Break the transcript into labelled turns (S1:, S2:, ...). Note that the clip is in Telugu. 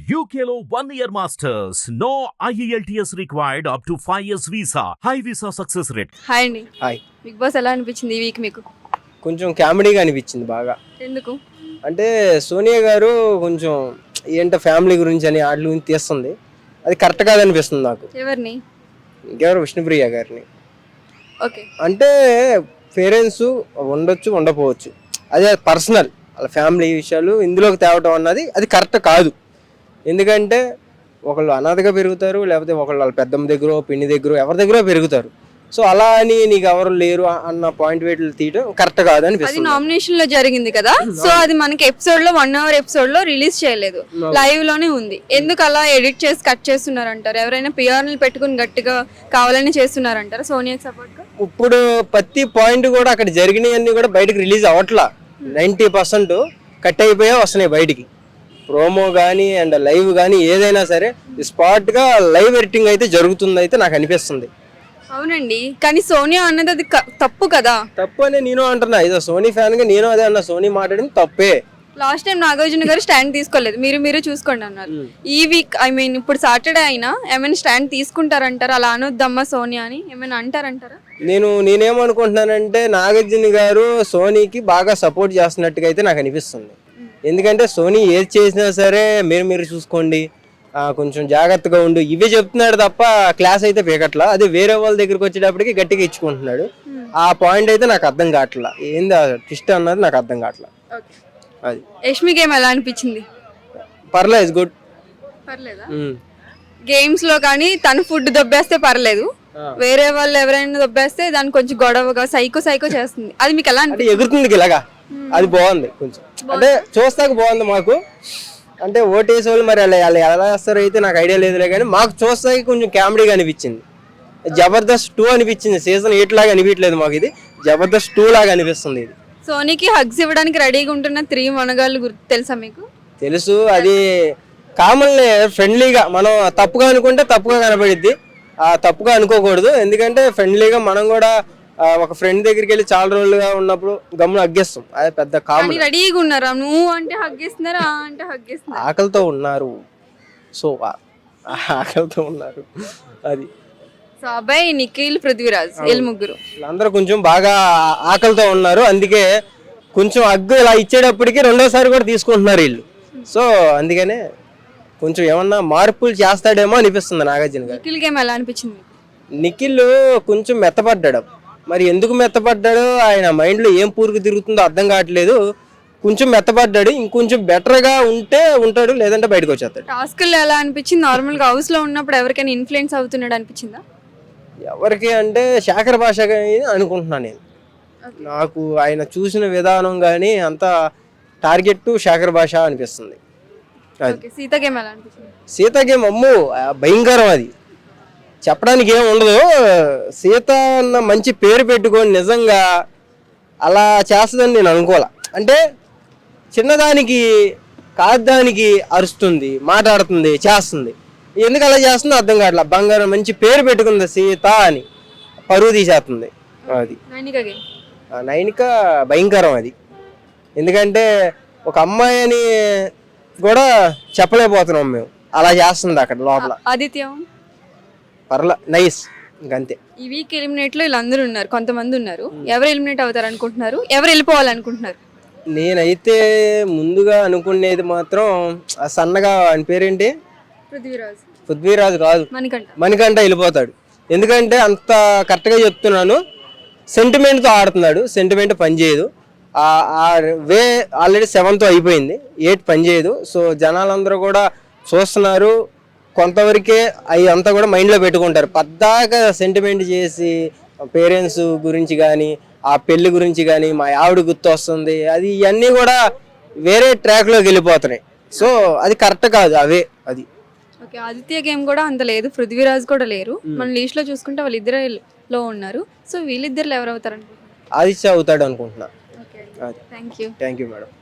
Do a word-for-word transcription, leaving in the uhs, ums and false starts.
S1: U K లో one year masters. No I E L T S required up to five years visa. High visa success rate.
S2: Hi అండి.
S3: హాయ్.
S2: బిగ్ బాస్ ఎలా అనిపించింది ఈ వీక్ మీకు?
S3: కొంచెం కామెడీగా అనిపించింది బాగా.
S2: ఎందుకు?
S3: అంటే సోనియా గారు కొంచెం ఏంటో ఫ్యామిలీ గురించి అని వాటి గురించి తీస్తుంది. అది కరెక్ట్ కాదనిపిస్తుంది నాకు.
S2: ఎవరిని?
S3: ఇంకెవరు విష్ణుప్రియ గారిని.
S2: ఓకే.
S3: అంటే పేరెంట్స్ ఉండొచ్చు ఉండకపోవచ్చు, అదే పర్సనల్ వాళ్ళ ఫ్యామిలీ విషయాలు ఇందులోకి తేవటం అన్నది అది కరెక్ట్ కాదు. ఎందుకంటే ఒకళ్ళు అనాథగా పెరుగుతారు, లేకపోతే ఒకళ్ళు వాళ్ళ పెద్దమ్మ దగ్గర పిన్ని దగ్గర ఎవరి దగ్గర పెరుగుతారు. సో అలా అని నీకు ఎవరు లేరు అన్న పాయింట్ వేట్లు తీయడం కరెక్ట్ కాదు
S2: అది
S3: అనిపిస్తుంది.
S2: నామినేషన్ లో జరిగింది కదా, సో అది మనకి ఎపిసోడ్ లో వన్ అవర్ ఎపిసోడ్ లో రిలీజ్ చేయలేదు, లైవ్ లోనే ఉంది. ఎందుకు అలా ఎడిట్ చేసి కట్ చేస్తున్నారంటారు? ఎవరైనా పిఆర్ని పెట్టుకుని గట్టిగా కావాలని చేస్తున్నారంటారా సోనియాకి సపోర్ట్ గా?
S3: ఇప్పుడు ప్రతి పాయింట్ కూడా అక్కడ జరిగినవన్నీ కూడా బయటకు రిలీజ్ అవ్వట్లా. నైంటీ పర్సెంట్ కట్ అయిపోయా వస్తున్నాయి బయటికి. ప్రోమో కానీ అండ్ లైవ్ కానీ ఏదైనా సరే స్పాట్గా లైవ్ ఎడిటింగ్ అయితే జరుగుతుంది అయితే నాకు అనిపిస్తుంది.
S2: అవునండి, కానీ సోనియా అన్నది అది క- తప్పు కదా.
S3: తప్పు అని నేను అంటున్నా, ఇదో సోనీ ఫ్యాన్గా నేను అదే అన్నా, సోనీ మాట్లాడింది తప్పే.
S2: లాస్ట్ టైం నాగార్జున గారు స్టాండ్ తీసుకోలేదు, మీరు మీరు చూసుకోండి అన్నారు. ఈ వీక్ ఐ మీన్ ఇప్పుడు సాటర్డే అయినా ఏమైనా స్టాండ్ తీసుకుంటారంటారా? అలా అనొద్దమ్మా సోనియా అని ఏమైనా అంటారంటారా?
S3: నేను నేనేమనుకుంటున్నానంటే నాగార్జున గారు సోనీకి బాగా సపోర్ట్ చేస్తున్నట్టుగా అయితే నాకు అనిపిస్తుంది. ఎందుకంటే సోనీ ఏది చేసినా సరే మీరు మీరు చూసుకోండి, కొంచెం జాగ్రత్తగా ఉండు ఇవే చెప్తున్నాడు తప్ప క్లాస్ అయితే పీకట్లా. అదే వేరే వాళ్ళ దగ్గరికి వచ్చేటప్పటికి గట్టిగా ఇచ్చుకుంటున్నాడు. ఆ పాయింట్ అయితే నాకు అర్థం కావట్లా, ఏంది ట్విస్ట్ అన్నది నాకు అర్థం కావట్లా. అది
S2: యష్మి గేమ్ ఎలా అనిపించింది?
S3: పర్లేదు, గుడ్.
S2: పర్లేదా? గేమ్స్ లో కానీ తను ఫుడ్ దొబ్బేస్తే పర్లేదు, వేరే వాళ్ళు ఎవరైనా దొబ్బేస్తే దాన్ని కొంచెం గొడవగా సైకో సైకో చేస్తుంది. అది మీకు ఎలా
S3: అంటే
S2: అనిపించింది?
S3: ఎగురుతుంది ఇలాగా, అది బాగుంది కొంచెం. అంటే చూస్తాక బాగుంది మాకు. అంటే ఓటేసే వాళ్ళు మరి అలా వాళ్ళు ఎలా వేస్తారో అయితే నాకు ఐడియా లేదులే, కానీ మాకు చూస్తాకి కొంచెం కామెడీగా అనిపించింది. జబర్దస్త్ టూ అనిపించింది, సీజన్ ఎయిట్ లాగా అనిపించలేదు మాకు, ఇది జబర్దస్త్ టూ లాగా అనిపిస్తుంది. ఇది
S2: సోనీకి హగ్స్ ఇవ్వడానికి రెడీగా ఉంటున్న త్రీ మనగాళ్ళు గుర్తు తెలుసా మీకు?
S3: తెలుసు, అది కామన్ ఫ్రెండ్లీగా మనం తప్పుగా అనుకుంటే తప్పుగా కనబడిద్ది, ఆ తప్పుగా అనుకోకూడదు. ఎందుకంటే ఫ్రెండ్లీగా మనం కూడా ఒక ఫ్రెండ్ దగ్గరికి వెళ్ళి చాలా రోజులుగా ఉన్నప్పుడు గమ్మున హగ్గేస్తాం, అది పెద్ద కామన్.
S2: రెడీగా ఉన్నారా? నువ్వు అంటే హగ్గేస్తున్నారు, ఆ అంటే హగ్గేస్తున్నారు.
S3: ఆకలితో ఉన్నారు, సో ఆకలితో ఉన్నారు అది.
S2: సో అబ్బాయి నిఖిల్ పృథ్వీరాజ్ వీళ్ళు ముగ్గురు
S3: వీళ్ళందరూ కొంచెం బాగా ఆకలితో ఉన్నారు, అందుకే కొంచెం అగ్గు ఇలా ఇచ్చేటప్పటికి రెండోసారి కూడా తీసుకుంటున్నారు వీళ్ళు. సో అందుకనే కొంచెం ఏమన్నా మార్పులు చేస్తాడేమో అనిపిస్తుంది నాగార్జున గారు.
S2: నిఖిల్ గేమ్ ఎలా అనిపించింది?
S3: నిఖిల్ కొంచెం మెత్తపడ్డాడు, మరి ఎందుకు మెత్తపడ్డాడో ఆయన మైండ్లో ఏం పూర్తి తిరుగుతుందో అర్థం కావట్లేదు. కొంచెం మెత్తపడ్డాడు, ఇంకొంచెం బెటర్గా ఉంటే ఉంటాడు, లేదంటే బయటకు వచ్చేస్తాడు.
S2: టాస్క్లు ఎలా అనిపించింది? నార్మల్ గా హౌస్ లో ఉన్నప్పుడు ఎవరికైనా ఇన్ఫ్లుయెన్స్ అవుతున్నాడు అనిపించిందా?
S3: ఎవరికి అంటే శేఖర్ భాష అనుకుంటున్నాను నేను. నాకు ఆయన చూసిన విధానం కానీ అంతా టార్గెట్ శేఖర్ భాష అనిపిస్తుంది.
S2: సీత గేమ్ ఎలా అనిపించింది?
S3: సీత గేమ్ అమ్ము భయంకరం, అది చెప్పడానికి ఏం ఉండదు. సీత అన్న మంచి పేరు పెట్టుకొని నిజంగా అలా చేస్తుందని నేను అనుకోలే. అంటే చిన్నదానికి కాదానికి అరుస్తుంది, మాట్లాడుతుంది, చేస్తుంది, ఎందుకు అలా చేస్తుందో అర్థం కావట్లేదు. బంగారం మంచి పేరు పెట్టుకుంది సీత అని, పరువు తీసేస్తుంది. అది నైనిక భయంకరం అది. ఎందుకంటే ఒక అమ్మాయి అని కూడా చెప్పలేకపోతున్నాం మేము, అలా చేస్తుంది అక్కడ లోపల.
S2: ఆదిత్య
S3: పర్లా నైస్, ఇంకంతే.
S2: ఈ వీక్ ఎలిమినేట్ లో వీళ్ళందరూ ఉన్నారు, కొంతమంది ఉన్నారు. ఎవరు ఎలిమినేట్ అవుతారు అనుకుంటున్నారు? ఎవరు వెళ్ళిపోవాలనుకుంటున్నారు?
S3: నేనైతే ముందుగా అనుకునేది మాత్రం ఆ సన్నగా అని పేరేంటి,
S2: పృథ్వీరాజ్.
S3: పృథ్వీరాజు కాదు,
S2: మణికంఠ.
S3: మణికంఠ వెళ్ళిపోతాడు. ఎందుకంటే అంత కరెక్ట్గా చెప్తున్నాను, సెంటిమెంట్తో ఆడుతున్నాడు, సెంటిమెంట్ పనిచేయదు. ఆ వే ఆల్రెడీ సెవెన్తో అయిపోయింది, ఎయిట్ పనిచేయదు. సో జనాలందరూ కూడా చూస్తున్నారు, కొంతవరకే అవి అంతా కూడా మైండ్లో పెట్టుకుంటారు. పద్దాక సెంటిమెంట్ చేసి పేరెంట్స్ గురించి కానీ ఆ పెళ్లి గురించి కానీ మా ఆవిడ గుర్తు వస్తుంది, అది ఇవన్నీ కూడా వేరే ట్రాక్లోకి వెళ్ళిపోతున్నాయి. సో అది కరెక్ట్ కాదు అవే. అది
S2: ఓకే, ఆదిత్య గేమ్ కూడా అంత లేదు, పృథ్వీరాజ్ కూడా లేరు. మన లిస్ట్ లో చూసుకుంటే వాళ్ళిద్దరే లో ఉన్నారు. సో వీళ్ళిద్దరు ఎవరు అవుతారు అనుకుంటున్నారు?
S3: ఆదిత్య అవుతాడు అనుకుంటున్నా.
S2: Thank you
S3: thank you madam.